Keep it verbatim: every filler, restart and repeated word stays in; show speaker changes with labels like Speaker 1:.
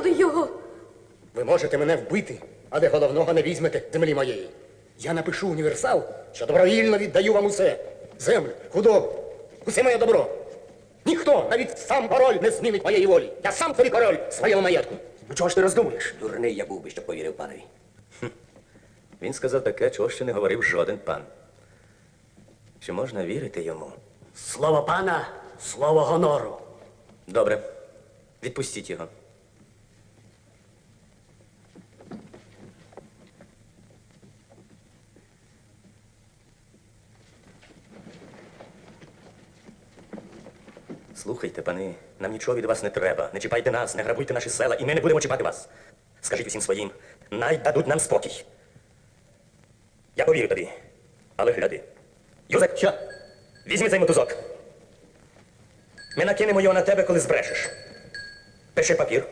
Speaker 1: туди його.
Speaker 2: Ви можете мене вбити, але головного не візьмете землі моєї. Я напишу універсал, що добровільно віддаю вам усе. Землю, худобу, усе моє добро. Ніхто, навіть сам король, не змінить моєї волі. Я сам собі король своєму маєтку. Ну чого ж ти роздумуєш?
Speaker 3: Дурний я був би, щоб повірив панові. Хм. Він сказав таке, чого ще не говорив жоден пан. Чи можна вірити йому?
Speaker 4: Слово пана, слово гонору.
Speaker 3: Добре. Відпустіть його. Слухайте, пани, нам нічого від вас не треба. Не чіпайте нас, не грабуйте наші села, і ми не будемо чіпати вас. Скажіть усім своїм, най дадуть нам спокій. Я повірю тобі, але гляди. Юзек, що? Візьми цей мотузок. Ми накинемо його на тебе, коли збрешеш. Пиши папір.